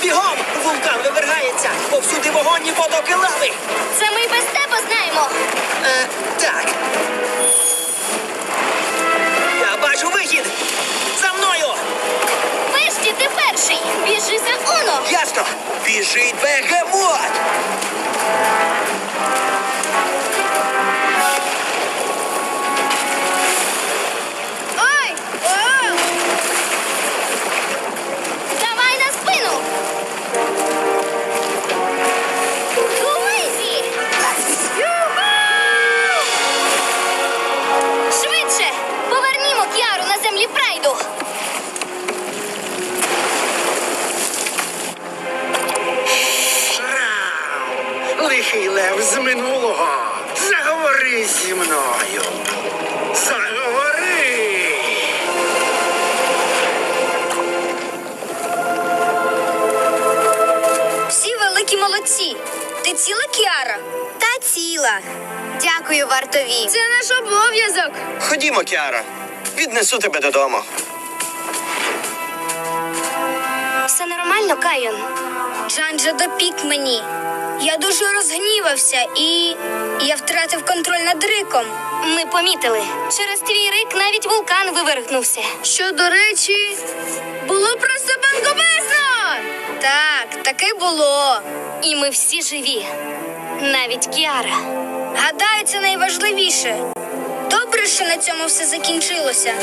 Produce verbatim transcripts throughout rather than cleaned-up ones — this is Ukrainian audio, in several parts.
Бігом! Вулкан вивергається! Повсюди вогонь і потоки лави! Це ми й без тебе знаємо. Е, так. Я бачу вихід! За мною! Вешті, ти перший. Біжи за Уно. Ясно! Біжить бегемот! Ой! О! Давай на спину. Луїзі! Юху! Швидше! Повернімо Кіару на землі Прайду. Лихий лев з минулого. Заговори зі мною. Заговори. Всі великі молодці. Ти ціла, Кіара? Та ціла. Дякую, вартові. Це наш обов'язок. Ходімо, Кіара. Віднесу тебе додому. Все нормально, Кайон? Джанджа допік мені. Я дуже розгнівався і... я втратив контроль над риком. Ми помітили. Через твій рик навіть вулкан вивергнувся. Що, до речі, було просто бангобезно! Так, таке було. І ми всі живі. Навіть Кіара. Гадаю, це найважливіше. Добре, що на цьому все закінчилося.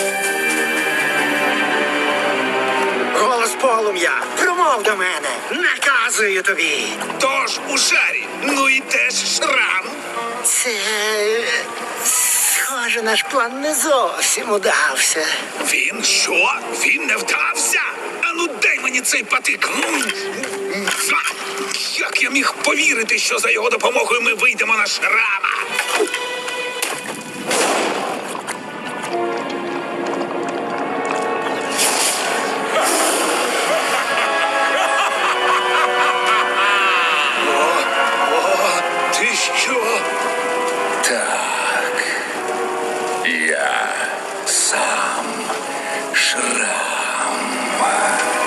Голос полум'я. Промов до мене. Наказую тобі. Тож у шарі, ну і теж шрам. Це... схоже, наш план не зовсім удався. Він що? Він не вдався? Ану, дай мені цей патик. М. А! Як я міг повірити, що за його допомогою ми вийдемо на шрама? О, о, ти що? Так, я сам Шрам.